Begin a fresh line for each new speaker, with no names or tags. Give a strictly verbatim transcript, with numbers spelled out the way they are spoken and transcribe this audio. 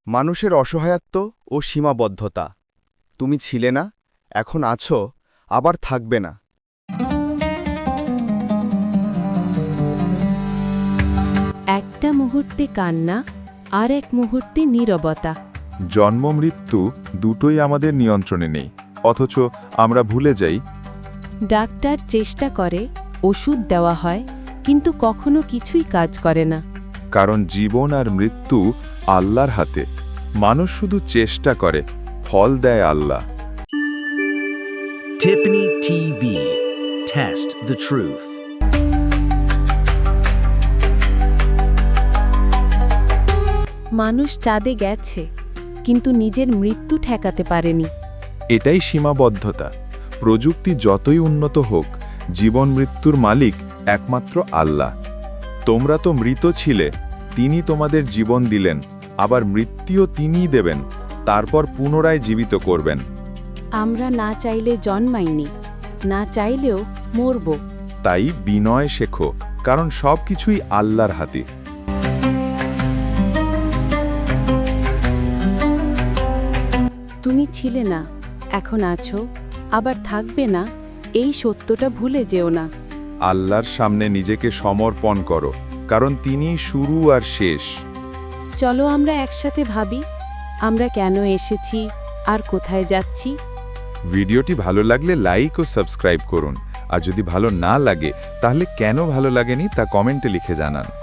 মানুষের অসহায়ত্ব ও সীমাবদ্ধতা। তুমি ছিলে না, এখন আছো, আবার থাকবে না।
একটা মুহূর্তে কান্না, আর এক মুহূর্তে নীরবতা।
জন্ম মৃত্যু দুটোই আমাদের নিয়ন্ত্রণে নেই, অথচ আমরা ভুলে যাই।
ডাক্তার চেষ্টা করে, ওষুধ দেওয়া হয়, কিন্তু কখনো কিছুই কাজ করে না।
কারণ জীবন আর মৃত্যু আল্লাহর হাতে। মানুষ শুধু চেষ্টা করে, ফল দেয় আল্লাহ।
Tiffany TV. Test the truth.
মানুষ চাঁদে গেছে, কিন্তু নিজের মৃত্যু ঠেকাতে পারেনি।
এটাই সীমাবদ্ধতা। প্রযুক্তি যতই উন্নত হোক, জীবন মৃত্যুর মালিক একমাত্র আল্লাহ। তোমরা তো মৃত ছিলে, তিনি তোমাদের জীবন দিলেন, আবার মৃত্যুও তিনিই দেবেন, তারপর পুনরায় জীবিত করবেন।
আমরা না চাইলে জন্মাইনি, না চাইলেও মরব।
তাই বিনয় শেখো, কারণ সব কিছুই আল্লাহর হাতে।
তুমি ছিলে না, এখন আছো, আবার থাকবে না, এই সত্যটা ভুলে যেও না।
আল্লাহর সামনে নিজেকে সমর্পণ করো, কারণ তিনিই শুরু আর শেষ।
চলো আমরা একসাথে ভাবি, আমরা কেন এসেছি আর কোথায় যাচ্ছি।
ভিডিওটি ভালো লাগলে লাইক ও সাবস্ক্রাইব করুন, আর যদি ভালো না লাগে তাহলে কেন ভালো লাগেনি তা কমেন্টে লিখে জানান।